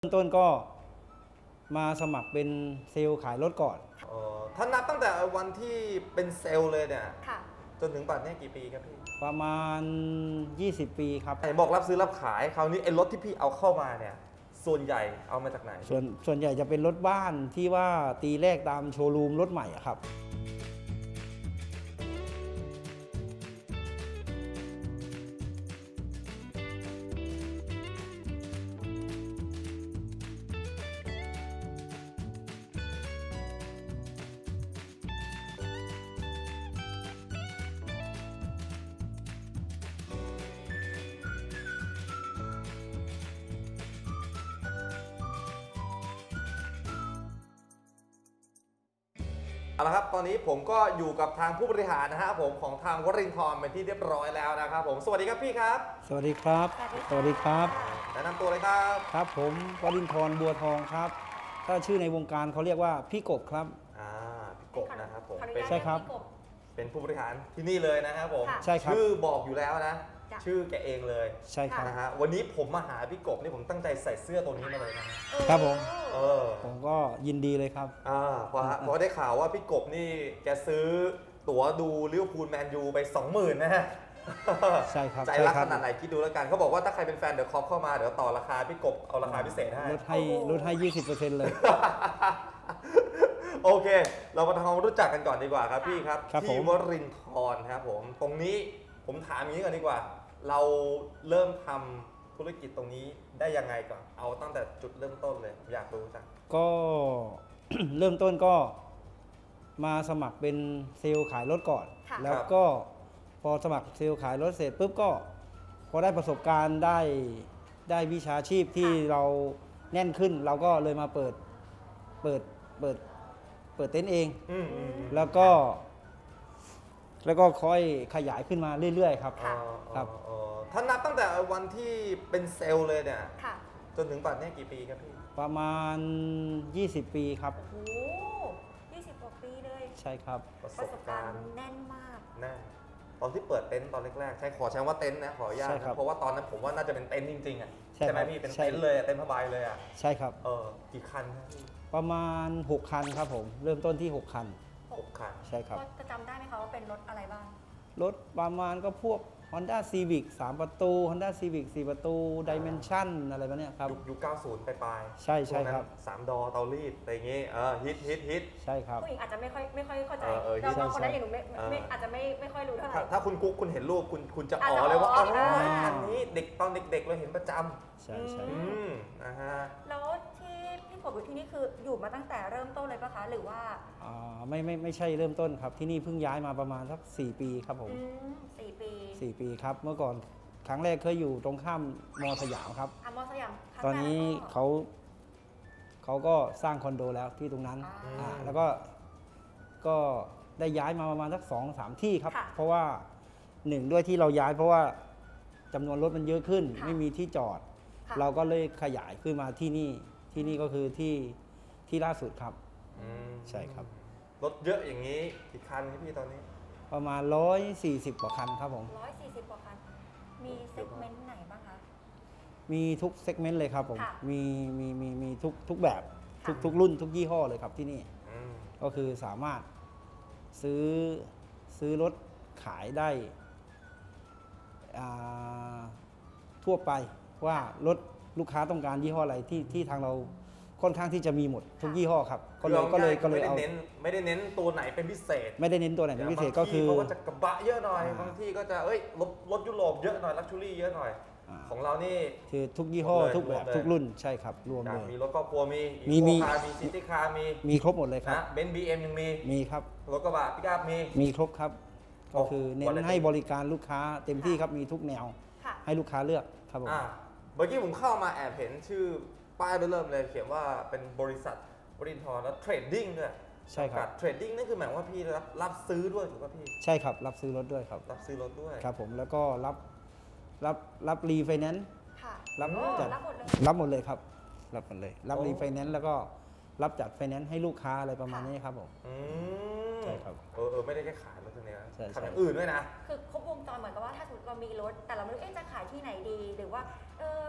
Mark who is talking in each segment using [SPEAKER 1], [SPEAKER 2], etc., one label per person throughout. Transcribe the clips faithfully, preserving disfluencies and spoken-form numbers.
[SPEAKER 1] เริ่มต้นก็มาสมัครเป็นเซลล์ขายรถก่อน
[SPEAKER 2] อ๋อถ้านับตั้งแต่วันที่เป็นเซลล์เลยเนี่ย
[SPEAKER 3] ค่ะ
[SPEAKER 2] จนถึงปัจจุบันนี้กี่ปีครับพี่
[SPEAKER 1] ประมาณ ยี่สิบ ปีครับ
[SPEAKER 2] ไหนบอกรับซื้อรับขายคราวนี้ไอ้รถที่พี่เอาเข้ามาเนี่ยส่วนใหญ่เอามาจากไหน
[SPEAKER 1] ส่วนส่วนใหญ่จะเป็นรถบ้านที่ว่าตีแรกตามโชว์รูมรถใหม่อะครับ
[SPEAKER 2] เอาละครับตอนนี้ผมก็อยู่กับทางผู้บริหารนะฮะผมของทางวรินทร์เป็นที่เรียบร้อยแล้วนะครับผมสวัสดีครับพี่ครับ
[SPEAKER 1] สวัสดีครับ
[SPEAKER 3] สวัสดีค่ะ
[SPEAKER 1] ครับ
[SPEAKER 2] แนะนำตัวเลยครับ
[SPEAKER 1] ครับผมวรินทร์บัวทองครับ ถ้าชื่อในวงการเขาเรียกว่าพี่กบครับ
[SPEAKER 2] อ่าพี่กบนะครับผม
[SPEAKER 3] ขออนุ
[SPEAKER 2] เป็น
[SPEAKER 3] ญาต
[SPEAKER 1] ใช่ครับ
[SPEAKER 3] พี่ก
[SPEAKER 2] เป็นผู้บริหารที่นี่เลยนะครับผม
[SPEAKER 3] ค่ะ
[SPEAKER 1] ใช่ครับ
[SPEAKER 2] ชื่อบอกอยู่แล้วนะ
[SPEAKER 3] จ้ะ
[SPEAKER 2] ชื่อแกเองเลย
[SPEAKER 1] ใช่ครับ
[SPEAKER 2] นะฮะวันนี้ผมมาหาพี่กบนี่ผมตั้งใจใส่เสื้อตัวนี้มาเลยนะฮะ
[SPEAKER 3] เออ
[SPEAKER 1] ครับผม
[SPEAKER 2] เออ
[SPEAKER 1] ผมก็ยินดีเลยครับ
[SPEAKER 2] อ่าเพราะฮะเพราะได้ข่าวว่าพี่กบนี่แกซื้อตั๋วดูลิเวอร์พูลแมนยูไป สองหมื่น นะฮะ
[SPEAKER 1] ใช่ครับ
[SPEAKER 2] ใจ
[SPEAKER 1] ใช่
[SPEAKER 2] รัก
[SPEAKER 1] ครั
[SPEAKER 2] ขนาดไหนคิดดูแล้วกันเขาบอกว่าถ้าใครเป็นแฟนเดี๋ยวคอปเข้ามาเดี๋ยวต่อราคาพี่กบเอาราคาพิเศษให้
[SPEAKER 1] ลดให้ลดให้ ยี่สิบเปอร์เซ็นต์ เลย
[SPEAKER 2] โอเค เรามาทำความรู้จักกันก่อนดีกว่าครับพี่ครับ
[SPEAKER 1] ครับ
[SPEAKER 2] ที่
[SPEAKER 1] ผม
[SPEAKER 2] วรินทร์ครับผมตรงนี้ผมถามอย่างนี้ก่อนดีกว่า เราเริ่มทำธุรกิจตรงนี้ได้ยังไงก่อนเอาตั้งแต่จุดเริ่มต้นเลยอยากรู้จัง
[SPEAKER 1] ก็ เริ่มต้นก็มาสมัครเป็นเซลล์ขายรถก่อน
[SPEAKER 3] ค่ะ
[SPEAKER 1] แล้วก็พอสมัครเซลล์ขายรถเสร็จปุ๊บก็พอได้ประสบการณ์ได้ได้วิชาชีพที่เราแน่นขึ้น เราก็เลยมาเปิดเปิดเปิดเปิดเต็นท์เอง
[SPEAKER 2] อืมอืมอืม
[SPEAKER 1] แล้วก็ แล้วก็ค่อยขยายขึ้นมาเรื่อยๆครับ
[SPEAKER 3] ค่ะ
[SPEAKER 2] อ๋อ
[SPEAKER 1] ครับ
[SPEAKER 2] อ๋อถ้านับตั้งแต่วันที่เป็นเซลล์เลยเนี่ย
[SPEAKER 3] ค่ะ
[SPEAKER 2] จนถึงปัจจุบันนี้กี่ปีครับพี่
[SPEAKER 1] ประมาณ ยี่สิบ ปีครับ
[SPEAKER 3] โอ้โหยี่สิบกว่าปีเลย
[SPEAKER 1] ใช่ครับ
[SPEAKER 2] ประส
[SPEAKER 3] ประ
[SPEAKER 2] บ
[SPEAKER 3] สบ
[SPEAKER 2] กา
[SPEAKER 3] การ
[SPEAKER 2] ร
[SPEAKER 3] ณ์
[SPEAKER 2] ณ์
[SPEAKER 3] แน่นมาก
[SPEAKER 2] แน่ตอนที่เปิดเต็นท์ตอนแรกๆใช่ขอใช้ว่าเต็นท์นะขออนุญาต
[SPEAKER 1] ใช่ครั
[SPEAKER 2] นะ
[SPEAKER 1] บ
[SPEAKER 2] เพราะว่าตอนนั้นผมว่าน่าจะเป็นเต็นท์จริงๆอ่ะ
[SPEAKER 1] ใช่
[SPEAKER 2] ไหม
[SPEAKER 1] ครับ
[SPEAKER 2] พี่เป็น
[SPEAKER 1] ใช่
[SPEAKER 2] เต็นท์เลยอะเต็นท์ผ้าใบเลยอ่ะ
[SPEAKER 1] ใช่ครับ
[SPEAKER 2] เออกี่คันครับพี่
[SPEAKER 1] ประมาณ หก คันครับผม เริ่มต้นที่ หก คัน
[SPEAKER 2] หกคัน
[SPEAKER 1] ใช่ครับ
[SPEAKER 3] ก็จะจำได้ไหมคะว่าเป็นรถอะไรบ้าง
[SPEAKER 1] รถประมาณก็พวก Honda Civic สาม ประตู Honda Civic สี่ ประตู Dimension อะไรแบบเนี้ยครับ
[SPEAKER 2] ยุคยุคเก้าสิบปลายๆ
[SPEAKER 1] ใช่ใช่
[SPEAKER 2] วงนั้น
[SPEAKER 1] ครับ
[SPEAKER 2] สามดอเตารีดอะไรอย่างงี้เออฮิตฮิตฮิต
[SPEAKER 1] ใช่ครับ
[SPEAKER 3] ผู้หญิงอาจจะไม่ค่อยไม่ค่อยเข้าใจ
[SPEAKER 2] เออเออ
[SPEAKER 3] เราบางคน
[SPEAKER 1] ใช่
[SPEAKER 3] นั้นอย่างหนูไม่
[SPEAKER 2] เออ
[SPEAKER 3] ไม่อาจจะไม่ไม่ค่อยรู้เท่าไหร่
[SPEAKER 2] ถ้าถ้าคุณกุ๊กคุณเห็นรูปคุณคุณจะ
[SPEAKER 3] อาจ
[SPEAKER 2] อ๋
[SPEAKER 3] จะ
[SPEAKER 2] อเลยว่า
[SPEAKER 3] อ๋
[SPEAKER 2] อ๋
[SPEAKER 3] อ
[SPEAKER 2] อ
[SPEAKER 3] ได้
[SPEAKER 2] คันนี้เด็กตอนเด็กๆเราเห็นประจ
[SPEAKER 1] ใช่ใช่
[SPEAKER 2] ำอืมนะฮะ
[SPEAKER 3] แล้วที่พี่กบอยู่ที่นี่คืออยู่มาตั้งแต่เริ่มต้นเลยปะคะ หรือว่า
[SPEAKER 1] อ่าไม่ไม่ไม่ใช่เริ่มต้นครับ ที่นี่เพิ่งย้ายมาประมาณสัก สี่ ปีครับผม
[SPEAKER 3] อืมสี่ปี
[SPEAKER 1] สี่ ปีครับ เมื่อก่อนครั้งแรกเคยอยู่ตรงข้ามมอสยามครับ
[SPEAKER 3] อามอสยามครั้ง
[SPEAKER 1] ตอนนี้
[SPEAKER 3] แรกแล้วก็
[SPEAKER 1] เขาเขาก็สร้างคอนโดแล้วที่ตรงนั้น
[SPEAKER 3] อ่า
[SPEAKER 1] อ่าแล้วก็ก็ได้ย้ายมาประมาณสักสองสามที่ครับ
[SPEAKER 3] ค่ะ
[SPEAKER 1] เพราะว่าหนึ่งด้วยที่เราย้าย เพราะว่าจำนวนรถมันเยอะขึ้น
[SPEAKER 3] ค่ะ
[SPEAKER 1] ไม่มีที่จอด
[SPEAKER 3] ค่ะ
[SPEAKER 1] เราก็เลยขยายขึ้นมาที่นี่ที่นี่ก็คือที่ที่ล่าสุดครับ
[SPEAKER 2] อืม
[SPEAKER 1] ใช่ครับ
[SPEAKER 2] รถเยอะอย่างนี้กี่คันครับพี่ตอนนี้
[SPEAKER 1] ประมาณร้อยสี่สิบกว่าคันครับผม
[SPEAKER 3] ร้อยสี่สิบกว่าคัน มีเซกเมนต์ไหนบ้างคะ
[SPEAKER 1] มีทุกเซกเมนต์เลยครับผม
[SPEAKER 3] ค่ะ
[SPEAKER 1] มีมีมีมีทุกทุกแบบทุก
[SPEAKER 3] ค่ะ
[SPEAKER 1] ทุกรุ่นทุกยี่ห้อเลยครับที่นี่
[SPEAKER 2] อืม
[SPEAKER 1] ก็คือสามารถซื้อซื้อรถขายได้อ่าทั่วไปว่ารถลูกค้าต้องการยี่ห้ออะไรที่ที่ทางเราค่อนข้างที่จะมีหมดทุกยี่ห้อครับ ก็เลยก็เลยก็เลย
[SPEAKER 2] ไม่ได้
[SPEAKER 1] เอา
[SPEAKER 2] เน้นไม่ได้เน้นตัวไหนเป็นพิเศษ
[SPEAKER 1] ไม่ได้เน้นตัวไหนเป็นพิเศษก็คือ
[SPEAKER 2] างที่เขาก็จะกระบะเยอะหน่อย
[SPEAKER 1] อ่า
[SPEAKER 2] บางที่ก็จะเอ้ยรถรถยุโรปเยอะหน่อยลักชูรี่เยอะหน่อย
[SPEAKER 1] อ่า
[SPEAKER 2] ของเรานี่
[SPEAKER 1] คือทุกยี่ห้อ
[SPEAKER 2] รวมเลย
[SPEAKER 1] ทุกแบบ
[SPEAKER 2] รวมเลย
[SPEAKER 1] ทุกรุ่นใช่ครับ รวม
[SPEAKER 2] อยา
[SPEAKER 1] เล
[SPEAKER 2] ก
[SPEAKER 1] ย
[SPEAKER 2] มีรถครอบครัวมี
[SPEAKER 1] มีมี
[SPEAKER 2] คาร์มีซิตี้คาร์มี
[SPEAKER 1] มีครบหมดเลยครับ
[SPEAKER 2] นะเบนซ์บีเอ็มยังมี
[SPEAKER 1] มีครับ
[SPEAKER 2] รถกระบะปิกอัพมี
[SPEAKER 1] มีครบครับ
[SPEAKER 2] โอ้
[SPEAKER 1] ก็คือเน้น
[SPEAKER 2] quality
[SPEAKER 1] ให้บริการลูกค้าเต็มที่ครับมีทุกแนว
[SPEAKER 3] ค่ะ
[SPEAKER 1] ให้ลูกค้าเลือกครับผม
[SPEAKER 2] อ่าเมื่อกี้ผมเข้ามาแอบเห็นชื่อป้ายเริ่มเลยเขียนว่าเป็นบริษัทบรินทร์แล้วเทรดดิ้งด้วย
[SPEAKER 1] ใช่ครับ
[SPEAKER 2] เทรดดิ้งนั่นคือหมายว่าพี่รับรับซื้อด้วยถูกป่ะพี่
[SPEAKER 1] ใช่ครับ รับซื้อรถด้วยครับ
[SPEAKER 2] รับซื้อรถด้วย
[SPEAKER 1] ครับผมแล้วก็รับรับรับรีไฟแนนซ์
[SPEAKER 3] ค่ะ
[SPEAKER 1] รับ
[SPEAKER 3] โอ้
[SPEAKER 1] จัด
[SPEAKER 3] รับหมดเลย
[SPEAKER 1] รับหมดเลยครับ รับหมดเลย รับ
[SPEAKER 2] โอ้
[SPEAKER 1] รีไฟแนนซ์แล้วก็รับจัดไฟแนนซ์ให้ลูกค้าอะไรประมาณนี้ครับผม
[SPEAKER 2] อืม
[SPEAKER 1] ใช่ครับ
[SPEAKER 2] เออเออไม่ได้แค่ขายรถตัวเนี้ย
[SPEAKER 1] ใช่ใช่
[SPEAKER 2] ทำอย่างอื่นด้วยนะ
[SPEAKER 3] คือครบวงจรเหมือนกับว่าถ้าสมมติเรามีรถ แต่เราไม่รู้เอ๊ะจะขายที่ไหนดี หรือว่าเออ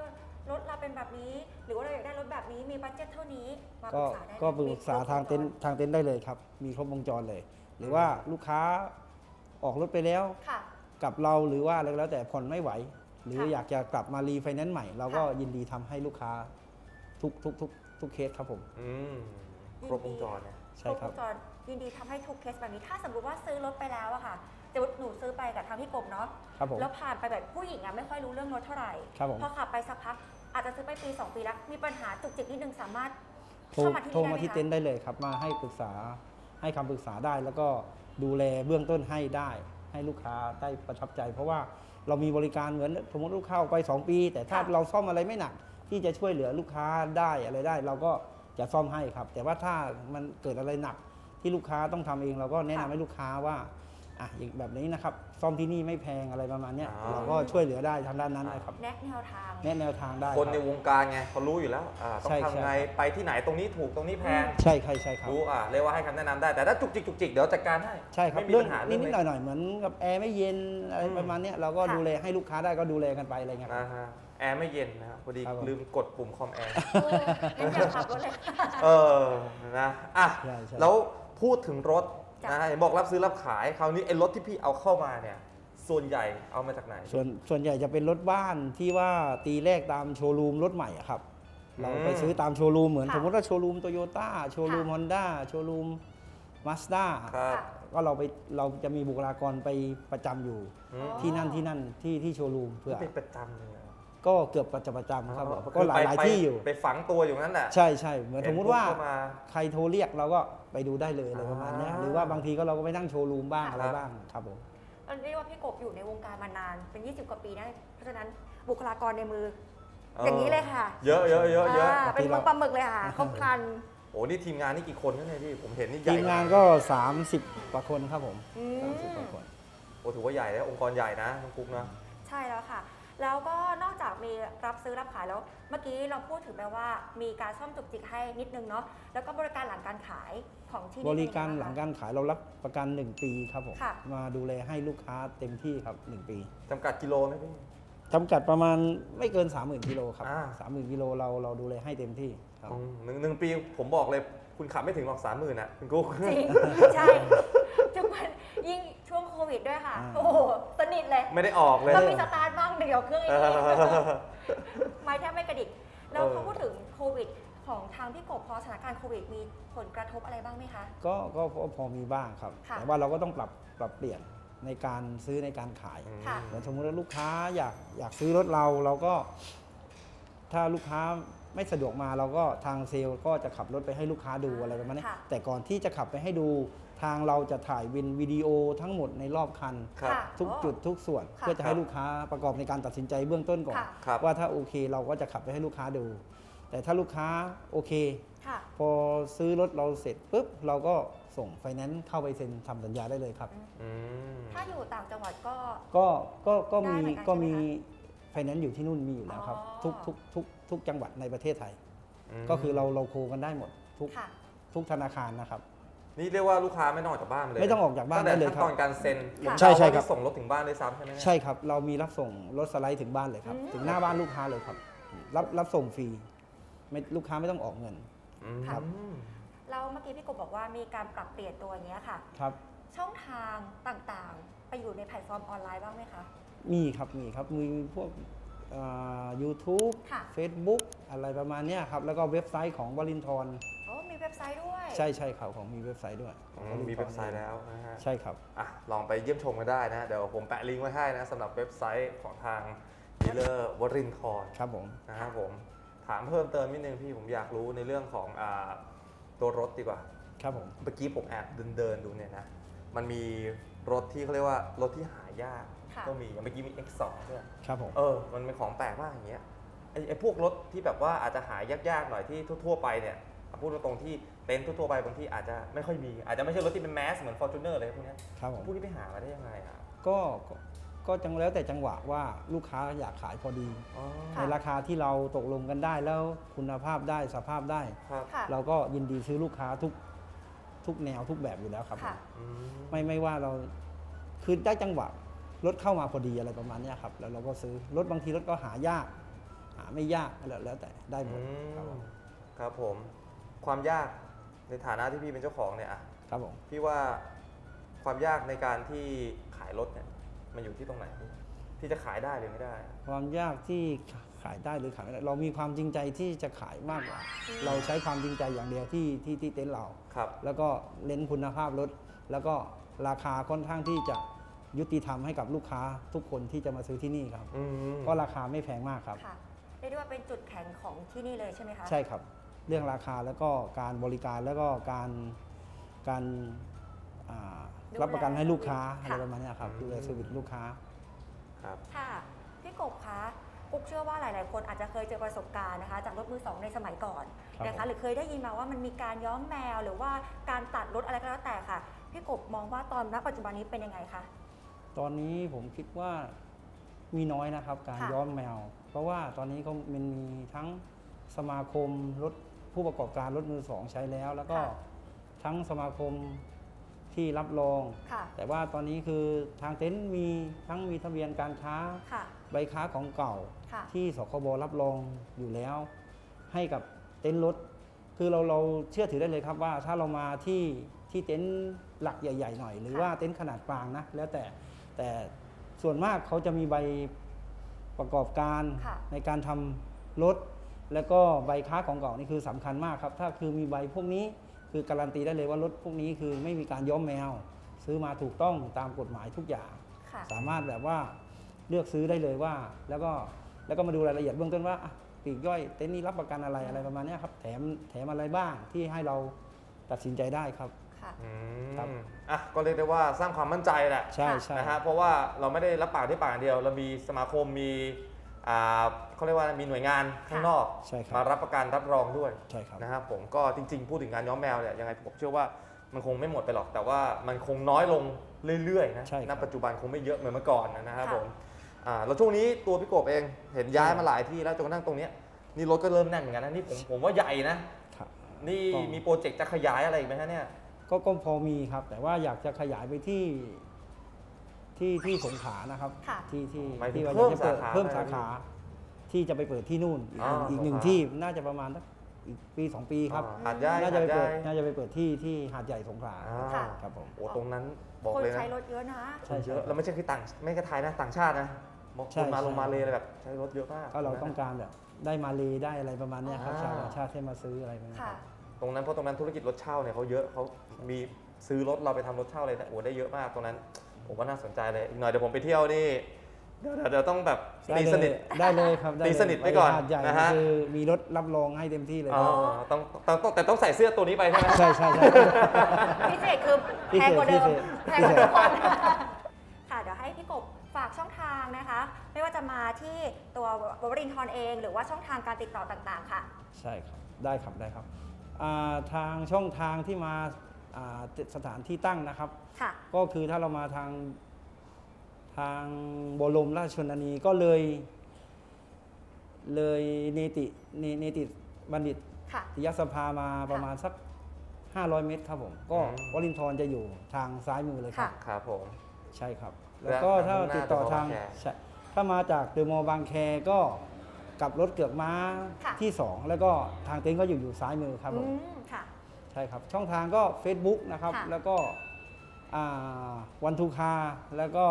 [SPEAKER 3] รถเราเป็นแบบนี้ หรือว่าเราอยากได้รถแบบนี้มีบัตเจ็ตเท่านี้มาป
[SPEAKER 1] ก็
[SPEAKER 3] รึกษาได้เลย
[SPEAKER 1] ก็ปรึกษา
[SPEAKER 3] มีครบ
[SPEAKER 1] ทางเต็น
[SPEAKER 3] ว
[SPEAKER 1] ท์ทางเต็นท์ได้เลยครับ มีครบวงจรเลย หรือว่าลูกค้าออกรถไปแล้ว
[SPEAKER 3] ค่ะ
[SPEAKER 1] กับเราหรือว่าอะไรก็แล้วแต่ผ่อนไม่ไหว หรือ
[SPEAKER 3] ค่ะ
[SPEAKER 1] อยากจะกลับมารีไฟแนนซ์ใหม่ เราก็
[SPEAKER 3] ค่ะ
[SPEAKER 1] ยินดีทำให้ลูกค้าทุกทุกทุกทุกเคสครับผม
[SPEAKER 2] อืมครบวงจรเนี่ย
[SPEAKER 1] ใช่ครับ
[SPEAKER 3] ครบวงจรยินดีทำให้ทุกเคสแบบนี้ ถ้าสมมติว่าซื้อรถไปแล้วอะค่ะจะหนูซื้อไปกับทางพี่กบเนาะ
[SPEAKER 1] ครับผม
[SPEAKER 3] แล้วผ่านไปแบบผู้หญิงอะไม่ค่อยรู้เรื่องรถเท่าไหร่
[SPEAKER 1] ครับผม
[SPEAKER 3] พอขับไปสักพักอาจจะซื้อไปปีสองปีแล้วมีปัญหาจุกจิกนิดนึงสามารถ
[SPEAKER 1] โทร
[SPEAKER 3] เข้ามาที่
[SPEAKER 1] โทร
[SPEAKER 3] นี่ได้
[SPEAKER 1] มา
[SPEAKER 3] ไหม
[SPEAKER 1] ที่
[SPEAKER 3] คะ
[SPEAKER 1] เต็นท์ได้เลยครับ มาให้ปรึกษาให้คำปรึกษาได้ แล้วก็ดูแลเบื้องต้นให้ได้ ให้ลูกค้าได้ประทับใจ เพราะว่าเรามีบริการเหมือนสมมติลูกค้าออกไปสองปี แต่ถ้า
[SPEAKER 3] ค่ะ
[SPEAKER 1] เราซ่อมอะไรไม่หนัก ที่จะช่วยเหลือลูกค้าได้อะไรได้ เราก็จะซ่อมให้ครับ แต่ว่าถ้ามันเกิดอะไรหนักที่ลูกค้าต้องทำเอง เราก็แนะนำให้ลูกค้าว่าอ่ะอย่างแบบนี้นะครับซ่อมที่นี่ไม่แพงอะไรประมาณเนี้ย
[SPEAKER 2] อ๋อ
[SPEAKER 1] เราก็ช่วยเหลือได้ทางด้านนั้นนะครับ
[SPEAKER 3] แนะแนวทาง
[SPEAKER 1] แนะแนวทางได้
[SPEAKER 2] คนใน
[SPEAKER 1] รับ
[SPEAKER 2] วงการไงเขารู้อยู่แล้วอ่าต้อง
[SPEAKER 1] ใช่
[SPEAKER 2] ทำไง
[SPEAKER 1] ใช่
[SPEAKER 2] ไปที่ไหนตรงนี้ถูกตรงนี้แพง
[SPEAKER 1] ใช่ใช่ใช่ครับ
[SPEAKER 2] รู้อ่ะเรียกว่าให้คำแนะนำได้ แต่ถ้าจุกจิกจุกจิกเดี๋ยวจัดการให้
[SPEAKER 1] ใช่ครับ
[SPEAKER 2] ไม่มี
[SPEAKER 1] เรื่อง
[SPEAKER 2] ปัญหา
[SPEAKER 1] นิ
[SPEAKER 2] เรื่
[SPEAKER 1] ด
[SPEAKER 2] อง
[SPEAKER 1] นิด
[SPEAKER 2] เล็
[SPEAKER 1] หน่อก ยหน่อยๆเหมือนกับแอร์ไม่เย็นอะไร
[SPEAKER 2] อืม
[SPEAKER 1] ประมาณเนี้ยเราก็
[SPEAKER 3] ค่ะ
[SPEAKER 1] ดูแลให้ลูกค้าได้ก็ดูแลกันไปอะไรเงี้ยครับ
[SPEAKER 2] นะฮะแอร์ไม่เย็นนะครับพอดี
[SPEAKER 1] ครับผม
[SPEAKER 2] ลืมกดปุ่มคอมแอร์
[SPEAKER 3] เอองั้นอย่าขับรถเลย
[SPEAKER 2] เออนะอ่ะ
[SPEAKER 1] ใช่ใช่
[SPEAKER 2] แล้วพูดถึงรถ
[SPEAKER 3] จ้ะ
[SPEAKER 2] นะเห็นบอกรับซื้อรับขายคราวนี้ไอ้รถที่พี่เอาเข้ามาเนี่ย ส่วนใหญ่เอามาจากไหน
[SPEAKER 1] ส่วนส่วนใหญ่จะเป็นรถบ้านที่ว่าตีแรกตามโชว์รูมรถใหม่อะครับ เราไปซื้อตามโชว์รูมเหมือน
[SPEAKER 3] ค่ะ
[SPEAKER 1] สมมติว่าโชว์รูมโตโยต้าโชว์รูม
[SPEAKER 3] ค่ะ
[SPEAKER 1] ฮอนด้าโชว์รูมมาสด้า
[SPEAKER 2] ครับ
[SPEAKER 1] ก็เราไปเราจะมีบุคลากรไปประจำอยู่
[SPEAKER 2] อืม
[SPEAKER 3] อ๋อ
[SPEAKER 1] ที่นั่นที่นั่นที่ที่โชว์รูมเพื่อ
[SPEAKER 2] เป็นประจำเลยเหรอ
[SPEAKER 1] ก็เกือบประจำประจำครับผม
[SPEAKER 2] อ๋อ
[SPEAKER 1] ก็หลายหลาย
[SPEAKER 2] ไป
[SPEAKER 1] ที่อยู่
[SPEAKER 2] ไปฝังตัวอยู่นั่นแหละ
[SPEAKER 1] ใช่ใช่เหมือนสมมุติว่า
[SPEAKER 2] เห็นปุ๊บเข้ามา
[SPEAKER 1] ใครโทรเรียกเราก็ไปดูได้เลยอะไรประมาณเนี้ย
[SPEAKER 2] อ่า
[SPEAKER 1] หรือว่าบางทีก็เราก็ไปนั่งโชว์รูมบ้าง
[SPEAKER 3] ค่ะ
[SPEAKER 1] อะไรบ้างครับผม
[SPEAKER 3] เราเรียกว่าพี่กบอยู่ในวงการมานานเป็น ยี่สิบ กว่าปีนะเพราะฉะนั้นบุคลากรในมือ อย่างนี้เลยค่ะ
[SPEAKER 2] เยอะเยอะเยอะเยอะ
[SPEAKER 3] อ่าเป็นมือปลาหมึกเลยค่ะครบครัน
[SPEAKER 2] โอ้นี่ทีมงานนี่กี่คนกันเนี่ยพี่ผมเห็นนี่ใหญ่
[SPEAKER 1] ทีมงานก็ สามสิบ กว่าคนครับผม
[SPEAKER 3] อืม
[SPEAKER 1] สามสิบกว่าคน
[SPEAKER 2] โอ้ถือว่าใหญ่นะองค์กรใหญ่นะน้องกุ๊กนะ
[SPEAKER 3] ใช่แล้วค่ะ แล้วก็นอกจากมีรับซื้อรับขายแล้ว เมื่อกี้เราพูดถึงไปว่ามีการซ่อมจุกจิกให้นิดนึงเนาะ แล้วก็บริการหลังการขายของที่นี่
[SPEAKER 1] บริการ
[SPEAKER 3] เป็น
[SPEAKER 1] ห
[SPEAKER 3] ยั
[SPEAKER 1] ลั
[SPEAKER 3] ง
[SPEAKER 1] ง
[SPEAKER 3] ไงบ้
[SPEAKER 1] การขายเรารับประกัน หนึ่ง ปีครับผม
[SPEAKER 3] ค่ะ
[SPEAKER 1] มาดูแลให้ลูกค้าเต็มที่ครับ หนึ่ง ปี
[SPEAKER 2] จำกัดกิโลไหมพี่
[SPEAKER 1] จำกัดประมาณไม่เกิน สามหมื่น กิโลครับ
[SPEAKER 2] อ่า
[SPEAKER 1] สามหมื่น กิโลเราเราดูแลให้เต็มที่ครับ
[SPEAKER 2] อืมหนึ่งหนึ่งปีผมบอกเลยคุณขับไม่ถึงหรอกสามหมื่นอ่ะคุณกุ๊ก
[SPEAKER 3] จริง ใช่ทุกวันยิ่งช่วงโควิดด้วยค่ะ
[SPEAKER 1] อ่า
[SPEAKER 3] โอ้โหสนิทเลย
[SPEAKER 2] ไม่ได้ออกเลย
[SPEAKER 3] ก็มีสตาร์ทบ้างเดี๋ยวเครื่องอี
[SPEAKER 2] เอก
[SPEAKER 3] ที
[SPEAKER 2] อ
[SPEAKER 3] ไม่แทบไม่กระดิกแล้ว
[SPEAKER 2] เออ
[SPEAKER 3] พอพูดถึงโควิด ของทางพี่กบพอสถานการณ์โควิดมีผลกระทบอะไรบ้างไหมคะ
[SPEAKER 1] ก็ก็พอพอมีบ้างครับ
[SPEAKER 3] ค่ะ
[SPEAKER 1] แต่ว่าเราก็ต้องปรับปรับเปลี่ยนในการซื้อในการขาย
[SPEAKER 3] ค่ะ
[SPEAKER 1] เหมือนสมมติว่าลูกค้าอยากอยากซื้อรถเราเราก็ ถ้าลูกค้าไม่สะดวกมาเราก็ทางเซลล์ก็จะขับรถไปให้ลูกค้าดูอะไรประมาณนี้
[SPEAKER 3] ค่ะ
[SPEAKER 1] แต่ก่อนที่จะขับไปให้ดูทางเราจะถ่ายวินวิดีโอทั้งหมดในรอบคัน
[SPEAKER 2] ครับ
[SPEAKER 3] ค่ะ
[SPEAKER 1] ทุกจุดทุกส่วน
[SPEAKER 3] ค่ะ
[SPEAKER 1] เพื่อจะให้ลูกค้าประกอบในการตัดสินใจเบื้องต้นก่อน
[SPEAKER 3] ค่ะ
[SPEAKER 2] ครับ
[SPEAKER 1] ว่าถ้าโอเคเราก็จะขับไปให้ลูกค้าดู แต่ถ้าลูกค้าโอเค
[SPEAKER 3] ค่ะ
[SPEAKER 1] พอซื้อรถเราเสร็จปุ๊บเราก็ส่งไฟแนนซ์เข้าไปเซ็นทำสัญญาได้เลยครับ
[SPEAKER 2] อืม
[SPEAKER 3] ถ้าอยู่ต่างจังหวัดก็
[SPEAKER 1] ก็ก็ก็
[SPEAKER 3] ได้
[SPEAKER 1] มี
[SPEAKER 3] เหมือนกัน
[SPEAKER 1] ก็มี
[SPEAKER 3] ใช่ไหม
[SPEAKER 1] ไฟแนนซ์อยู่ที่นู่นมีอยู่แล้วครับ
[SPEAKER 3] อ๋อ
[SPEAKER 1] ทุกทุกทุกทุกจังหวัดในประเทศไทย
[SPEAKER 2] ม
[SPEAKER 1] ก็คือเราเราโคกันได้หมดทุก
[SPEAKER 3] ค่ะ
[SPEAKER 1] ทุกธนาคารนะครับ
[SPEAKER 2] นี่เรียกว่าลูกค้าไม่ต้องออกจากบ้านเลย
[SPEAKER 1] ไม่ต้องออกจากบ้าน
[SPEAKER 2] ตั้งแต่
[SPEAKER 1] ได้เลย
[SPEAKER 2] ขั้น
[SPEAKER 1] ครับ
[SPEAKER 2] ตอนการเซ็น
[SPEAKER 3] ค่ะ
[SPEAKER 1] ใช่ใช่
[SPEAKER 2] ผมเดาว่า
[SPEAKER 1] ครับ
[SPEAKER 2] นี่ส่งรถถึงบ้านด้วยซ้ำใช่ไหมเนี่ย
[SPEAKER 1] ใช่ครับ เรามีรับส่งรถสไลด์ถึงบ้านเลยครับ
[SPEAKER 3] อืม
[SPEAKER 1] ถึงหน้าบ้านลูกค้าเลยครับ รับรับส่งฟรีไม่ลูกค้าไม่ต้องออกเงิน
[SPEAKER 2] อืม
[SPEAKER 1] ครับ
[SPEAKER 3] แล้วเมื่อกี้พี่กบบอกว่ามีการปรับเปลี่ยนตัวอย่างเงี้ยค่ะ
[SPEAKER 1] ครับ
[SPEAKER 3] ช่องทางต่างๆ ไปอยู่ในแพลตฟอร์มออนไลน์บ้างไหมคะ
[SPEAKER 1] มีครับมีครับมีพวกยูทูบ
[SPEAKER 3] ค่ะ
[SPEAKER 1] เฟซบุ๊กอะไรประมาณเนี้ยครับแล้วก็เว็บไซต์ของวลินทร
[SPEAKER 3] โอ้มีเว็บไซต์ด้วย
[SPEAKER 1] ใช่ใช่ครับของมีเว็บไซต์ด้วย
[SPEAKER 2] อืมมีเว็บไซต์แล้วนะฮะ
[SPEAKER 1] ใช่ครับ
[SPEAKER 2] อ่ะลองไปเยี่ยมชมกันได้นะ เดี๋ยวผมแปะลิงก์ไว้ให้นะสำหรับเว็บไซต์ของทางดีลเลอร์วรินทร์
[SPEAKER 1] ครับผม
[SPEAKER 2] นะครับผมถามเพิ่มเติมนิดนึงพี่ผมอยากรู้ในเรื่องของอ่าตัวรถดีกว่า
[SPEAKER 1] ครับผม
[SPEAKER 2] เมื่อกี้ผมแอบเดินเดินๆดูเนี่ยนะ มันมีรถที่เขาเรียกว่ารถที่หายาก
[SPEAKER 3] ค่ะ
[SPEAKER 2] ก็มีอย่างเมื่อกี้มี เอ็กซ์ สอง ด้วย
[SPEAKER 1] ครับผม
[SPEAKER 2] เออ มันเป็นของแปลกมากอย่างเงี้ย ไอ้ไอ้พวกรถที่แบบว่าอาจจะหายากๆหน่อยที่ทั่วๆไปเนี่ยเอาพูดตรงๆที่เต็นท์ทั่วๆไปบางที่อาจจะไม่ค่อยมี อาจจะไม่ใช่รถที่เป็นแมสเหมือน Fortuner เลยพวกเนี้ย
[SPEAKER 1] ครับผม
[SPEAKER 2] พวกนี้ไปหามาได้ยังไงอ่ะ
[SPEAKER 1] ก็ก็ก็จังแล้วแต่จังหวะว่าลูกค้าอยากขายพอดี
[SPEAKER 2] อ๋อ
[SPEAKER 3] ค่ะ
[SPEAKER 1] ในราคาที่เราตกลงกันได้แล้วคุณภาพได้สภาพได้
[SPEAKER 2] ครับ
[SPEAKER 3] ค่ะ
[SPEAKER 1] เราก็ยินดีซื้อลูกค้าทุกทุกแนวทุกแบบอยู่แล้วครับผม
[SPEAKER 3] ค่ะ
[SPEAKER 2] อืม
[SPEAKER 1] ไม่ไม่ว่าเราคือได้จังหวะรถเข้ามาพอดีอะไรประมาณเนี้ยครับแล้วเราก็ซื้อรถบางทีรถก็หายากหาไม่ยากแล้วแล้วแต่ได้หมด
[SPEAKER 2] อืม
[SPEAKER 1] ครับผม
[SPEAKER 2] ครับผมความยากในฐานะที่พี่เป็นเจ้าของเนี่ยอะ
[SPEAKER 1] ครับผม
[SPEAKER 2] พี่ว่าความยากในการที่ขายรถเนี่ยมันอยู่ที่ตรงไหนพี่ที่จะขายได้หรือไม่ได้
[SPEAKER 1] ความยากที่ขายได้หรือขายไม่ได้เรามีความจริงใจที่จะขายมากกว่า เราใช้ความจริงใจอย่างเดียวที่ที่ที่เต็นท์เรา
[SPEAKER 2] ครับ
[SPEAKER 1] แล้วก็เน้นคุณภาพรถแล้วก็ราคาค่อนข้างที่จะยุติธรรมให้กับลูกค้าทุกคนที่จะมาซื้อที่นี่ครับ
[SPEAKER 2] อืม
[SPEAKER 1] ก็ราคาไม่แพงมากครับ
[SPEAKER 3] ค่ะเรียกได้ว่าเป็นจุดแข็งของที่นี่เลยใช่ไหมคะ
[SPEAKER 1] ใช่ครับ เรื่องราคาแล้วก็การบริการแล้วก็การการอ่า
[SPEAKER 3] ดูแล
[SPEAKER 1] รับประกันให้ลูกค้า
[SPEAKER 3] ค่ะ
[SPEAKER 1] อะไรประมาณเนี้ยครับดูแลเซอร์วิสลูกค้า
[SPEAKER 2] ครับ
[SPEAKER 3] ค่ะพี่กบคะกุ๊กเชื่อว่าหลาย ๆ คนอาจจะเคยเจอประสบการณ์นะคะจากรถมือสองในสมัยก่อน
[SPEAKER 1] ครับ
[SPEAKER 3] นะ
[SPEAKER 1] ผ
[SPEAKER 3] คะ
[SPEAKER 1] ม
[SPEAKER 3] หรือเคยได้ยินมาว่ามันมีการย้อมแมว หรือว่าการตัดรถอะไรก็แล้วแต่ค่ะพี่กบมองว่าตอนณปัจจุบันนี้เป็นยังไงคะ
[SPEAKER 1] ตอนนี้ผมคิดว่ามีน้อยนะครับ การ
[SPEAKER 3] ค่ะ
[SPEAKER 1] ย้อมแมว เพราะว่าตอนนี้ก็มันมีทั้งสมาคมรถผู้ประกอบการรถมือสองใช้แล้ว แล้วก็
[SPEAKER 3] ค่ะ
[SPEAKER 1] ทั้งสมาคมที่รับรอง
[SPEAKER 3] ค่ะ
[SPEAKER 1] แต่ว่าตอนนี้คือทางเต็นท์มีทั้งมีทะเบียนการค้า
[SPEAKER 3] ค่ะ
[SPEAKER 1] ใบค้าของเก่า
[SPEAKER 3] ค่ะ
[SPEAKER 1] ที่สคบรับรองอยู่แล้ว ให้กับเต็นท์รถ คือเราเราเชื่อถือได้เลยครับว่าถ้าเรามาที่ที่เต็นท์หลักใหญ่ ๆ หน่อย หรือ
[SPEAKER 3] ค่ะ
[SPEAKER 1] ว่าเต็นท์ขนาดกลางนะแล้วแต่แต่ส่วนมากเขาจะมีใบประกอบการ
[SPEAKER 3] ค่ะ
[SPEAKER 1] ในการทำรถ แล้วก็ใบค้าของเก่านี่คือสำคัญมากครับ ถ้าคือมีใบพวกนี้คือการันตีได้เลยว่ารถพวกนี้คือไม่มีการย้อมแมว ซื้อมาถูกต้องตามกฎหมายทุกอย่าง
[SPEAKER 3] ค่ะ
[SPEAKER 1] สามารถแบบว่าเลือกซื้อได้เลยว่า แล้วก็แล้วก็มาดูรายละเอียดเบื้องต้นว่าอ่ะปลีกย่อยเต็นท์นี้รับประกันอะไรอะไรประมาณเนี้ยครับแถมแถมอะไรบ้างที่ให้เราตัดสินใจได้ครับ
[SPEAKER 3] ค่ะ
[SPEAKER 2] อื
[SPEAKER 1] ครับ
[SPEAKER 2] มอ่ะก็เรียกได้ว่าสร้างความมั่นใจแหละ
[SPEAKER 1] ใช่ใช่
[SPEAKER 2] นะฮะเพราะว่าเราไม่ได้รับปากที่ปากอย่างเดียว เรามีสมาคมมีอ่าเขาเรียกว่ามีหน่วยงานข้างนอก
[SPEAKER 1] ใช่ครับ
[SPEAKER 2] มารับประกันรับรองด้วย
[SPEAKER 1] ใช่ครับ
[SPEAKER 2] นะครับผมก็จริงๆ พูดถึงการย้อมแมวเนี่ยยังไงผมเชื่อว่ามันคงไม่หมดไปหรอก แต่ว่ามันคงน้อยลงเรื่อยๆนะ
[SPEAKER 1] ใช่ครับ
[SPEAKER 2] ณปัจจุบันคงไม่เยอะเหมือนเมื่อก่อนนะครับ
[SPEAKER 3] ค่ะ
[SPEAKER 2] ผมอ่าแล้วช่วงนี้ตัวพี่กบเองเห็นย้ายมาหลายที่แล้วจนกระทั่งตรงเนี้ยนี่รถก็เริ่มแน่นเหมือนกันนะนี่ผมผมว่าใหญ่นะครับ นี่
[SPEAKER 1] ก็
[SPEAKER 2] มีโปรเจกต์จะขยายอะไรอีกไหมฮะเนี่ย
[SPEAKER 1] ก็ก็พอมีครับ แต่ว่าอยากจะขยายไปที่ที่ที่สงขลานะครับ
[SPEAKER 3] ค่ะ
[SPEAKER 1] ที่ที่
[SPEAKER 2] หมายถึง
[SPEAKER 1] ที่ว่า
[SPEAKER 2] เพิ่ม
[SPEAKER 1] จะเปิด
[SPEAKER 2] สาขา
[SPEAKER 1] เพิ่ม
[SPEAKER 2] ไหม
[SPEAKER 1] สาขา ที่จะไปเปิดที่นู่นอีก
[SPEAKER 2] อ๋อ
[SPEAKER 1] อีกหนึ่ง
[SPEAKER 2] สงขลา
[SPEAKER 1] ที่น่าจะประมาณสักอีกปีสองปีครับ
[SPEAKER 2] อ่าหาดใหญ่
[SPEAKER 1] น่า
[SPEAKER 2] หา
[SPEAKER 1] จะ
[SPEAKER 2] ด
[SPEAKER 1] ไป
[SPEAKER 2] ใหญ่
[SPEAKER 1] เปิดน่าจะไปเปิดที่ที่หาดใหญ่สงขลา
[SPEAKER 2] อ่า
[SPEAKER 3] ค่ะ
[SPEAKER 1] ครับผม
[SPEAKER 2] โอ้ตรงนั้นบอก
[SPEAKER 3] คน
[SPEAKER 2] เลยนะ
[SPEAKER 3] ใช้รถเยอะนะ
[SPEAKER 1] ใช่
[SPEAKER 2] เย
[SPEAKER 1] ใช่
[SPEAKER 2] อะแล้วไม่ใช่แค่ต่างไม่ใช่ไทยนะต่างชาตินะบอก
[SPEAKER 1] ใช่
[SPEAKER 2] คนมา
[SPEAKER 1] ใช่
[SPEAKER 2] ลงมาเลยอะไรแบบใช้รถเยอะมาก
[SPEAKER 1] ก็เราต้องการแบบได้มาเลได้อะไรประมาณเนี้ยครับ
[SPEAKER 2] อ่า
[SPEAKER 1] ชาวต่างชาติที่มาซื้ออะไรประมาณเนี้ย
[SPEAKER 3] ค่ะ
[SPEAKER 1] ครับ
[SPEAKER 2] ตรงนั้นเพราะตรงนั้นธุรกิจรถเช่าเนี่ยเขาเยอะเขามีซื้อรถเราไปทำรถเช่าเลยนะโอ้ได้เยอะมากตรงนั้น ผมว่าน่าสนใจเลยอีกหน่อยเดี๋ยวผมไปเที่ยวนี่เดี๋ยวเดี๋ยวเดี๋ยวต้องแบบ
[SPEAKER 1] ได้
[SPEAKER 2] ตี
[SPEAKER 1] เล
[SPEAKER 2] ส
[SPEAKER 1] ย
[SPEAKER 2] นิท
[SPEAKER 1] ได้เลยครับด้
[SPEAKER 2] ตี
[SPEAKER 1] เลย
[SPEAKER 2] สนิทไปก่อน
[SPEAKER 1] หาดใหญ่
[SPEAKER 2] นะฮะ
[SPEAKER 1] คือมีรถรับรองให้เต็มที่เลย
[SPEAKER 2] อ๋อต้องต้องต้องแต่ต้องใส่เสื้อตัวนี้ไปใช่ไหม
[SPEAKER 1] ใช่ใช่ใช่
[SPEAKER 3] พิเศษคือแพงกว่าเดิม
[SPEAKER 1] พิเศษ
[SPEAKER 3] แพงกว่าทุกคนค่ะเดี๋ยวให้พี่กบฝากช่องทางนะคะ ไม่ว่าจะมาที่ตัววรินทร์เอง หรือว่าช่องทางการติดต่อต่างๆ ค่ะ
[SPEAKER 1] ใช่ครับได้ครับได้ครับอ่าทางช่องทางที่มาอ่าสถานที่ตั้งนะครับ
[SPEAKER 3] ค่ะ
[SPEAKER 1] ก็คือถ้าเรามาทางทางบรมราชชนนีก็เลย เลยเนติเนเนติบัณฑิต
[SPEAKER 3] ค่ะ
[SPEAKER 1] ยสภามาประมาณสัก ห้าร้อย เมตรครับผม ก็
[SPEAKER 2] อืม
[SPEAKER 1] วลินทร์จะอยู่ทางซ้ายมือเลยครับ
[SPEAKER 3] ค่ะ
[SPEAKER 2] ครับผม
[SPEAKER 1] ใช่ครับ
[SPEAKER 2] และ
[SPEAKER 1] แล้วก็ถ้า
[SPEAKER 2] มุ่งหน้า
[SPEAKER 1] ติดต่อ
[SPEAKER 2] เดอะมอลล์
[SPEAKER 1] ทาง
[SPEAKER 2] บางแค
[SPEAKER 1] ใช่ถ้ามาจากเดอะมอลล์บางแคก็กลับรถเกือกม้า
[SPEAKER 3] ค่ะ
[SPEAKER 1] ที่ สอง แล้วก็ทางเต็นท์ก็อยู่อยู่ซ้ายมือครับผ
[SPEAKER 3] อื
[SPEAKER 1] ม
[SPEAKER 3] มค่ะ
[SPEAKER 1] ใช่ครับ ช่องทางก็ Facebook นะครับ
[SPEAKER 3] ค่ะ
[SPEAKER 1] แล้วก็วันทูคาแล้วก็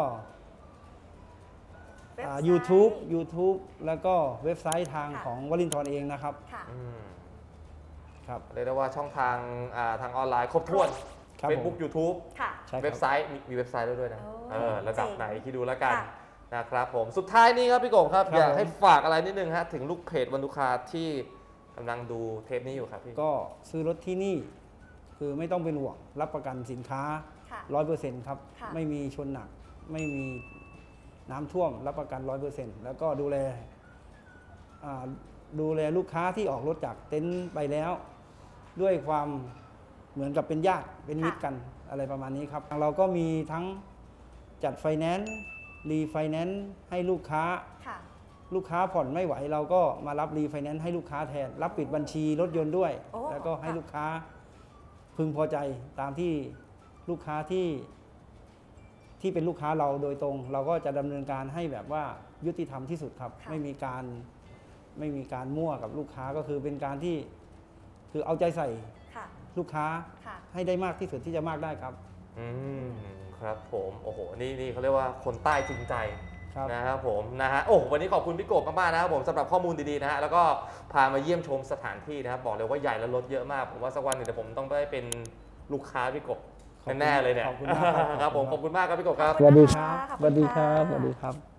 [SPEAKER 3] เว็บ
[SPEAKER 1] อ่า
[SPEAKER 3] ไซต์
[SPEAKER 1] YouTube YouTube แล้วก็เว็บไซต์ทาง
[SPEAKER 3] ค่ะ
[SPEAKER 1] ของวลินทร์เองนะครับ
[SPEAKER 3] ค่ะ
[SPEAKER 2] อืม
[SPEAKER 1] ครับ
[SPEAKER 2] เรียกได้ว่าช่องทางอ่าทางออนไลน์ครบถ้วน
[SPEAKER 1] ครับ
[SPEAKER 2] Facebook
[SPEAKER 1] ผม
[SPEAKER 2] YouTube
[SPEAKER 3] ค่ะ
[SPEAKER 1] ใช่ค
[SPEAKER 2] เว็
[SPEAKER 1] รั
[SPEAKER 2] บบ ไซต์มีมีเว็บไซต์ด้วยด้วยนะ
[SPEAKER 3] โอ้
[SPEAKER 2] เออระดับ
[SPEAKER 3] เจ๋ง
[SPEAKER 2] ไหนคิดดูแล้วกัน
[SPEAKER 3] ค่ะ
[SPEAKER 2] นะครับผมสุดท้ายนี้ครับพี่กบครับ
[SPEAKER 1] ครับ
[SPEAKER 2] อยาก
[SPEAKER 1] ผม
[SPEAKER 2] ให้ฝากอะไรนิดนึงฮะถึงลูกเพจวันลูกค้าที่กำลังดูเทปนี้อยู่ครับพี่
[SPEAKER 1] ก็ซื้อรถที่นี่ คือไม่ต้องเป็นห่วงรับประกันสินค้า
[SPEAKER 3] ค่ะ
[SPEAKER 1] ร้อยเปอร์เซ็นต์ครับ
[SPEAKER 3] ค่ะ
[SPEAKER 1] ไม่มีชนหนัก ไม่มีน้ำท่วมรับประกันร้อยเปอร์เซ็นต์แล้วก็ดูแลอ่าดูแลลูกค้าที่ออกรถจากเต็นท์ไปแล้ว ด้วยความเหมือนกับเป็นญาติเป็นมิตรกันอะไรประมาณนี้ครับเราก็มีทั้งจัดไฟแนนซ์รีไฟแนนซ์ให้ลูกค้า
[SPEAKER 3] ค่ะ
[SPEAKER 1] ลูกค้าผ่อนไม่ไหว เราก็มารับรีไฟแนนซ์ให้ลูกค้าแทน รับปิดบัญชีรถยนต์ด้วย
[SPEAKER 3] โอ้
[SPEAKER 1] แล้วก็ให้
[SPEAKER 3] ค่ะ
[SPEAKER 1] ลูกค้าพึงพอใจตามที่ลูกค้าที่ที่เป็นลูกค้าเราโดยตรง เราก็จะดำเนินการให้แบบว่ายุติธรรมที่สุดครับ
[SPEAKER 3] ค่ะ
[SPEAKER 1] ไม่มีการไม่มีการมั่วกับลูกค้าก็คือเป็นการที่คือเอาใจใส่
[SPEAKER 3] ค่ะ
[SPEAKER 1] ลูกค้า
[SPEAKER 3] ค่ะ
[SPEAKER 1] ให้ได้มากที่สุดที่จะมากได้ครับ
[SPEAKER 2] อืมครับผมโอ้โหนี่นี่เขาเรียกว่าคนใต้จริงใจ
[SPEAKER 1] ครับ
[SPEAKER 2] นะครับผมนะฮะโอ้วันนี้ขอบคุณพี่กบมากๆนะครับผมสำหรับข้อมูลดีๆนะฮะแล้วก็พามาเยี่ยมชมสถานที่นะครับบอกเลยว่าใหญ่และรถเยอะมากผมว่าสักวันหนึ่งเดี๋ยวผมต้องได้เป็นลูกค้าพี่กบ
[SPEAKER 1] ขอบคุณ
[SPEAKER 2] แน่ๆเลยเนี่ย
[SPEAKER 1] ขอบคุณมากครับ
[SPEAKER 2] ครับผมขอบคุณมากครับพี่กบครับ
[SPEAKER 1] สวัสดีครับ
[SPEAKER 3] ขอบ
[SPEAKER 1] ส
[SPEAKER 3] คุณ
[SPEAKER 1] วัสดีค
[SPEAKER 3] ค่ะ
[SPEAKER 1] รับสวัสดีครับ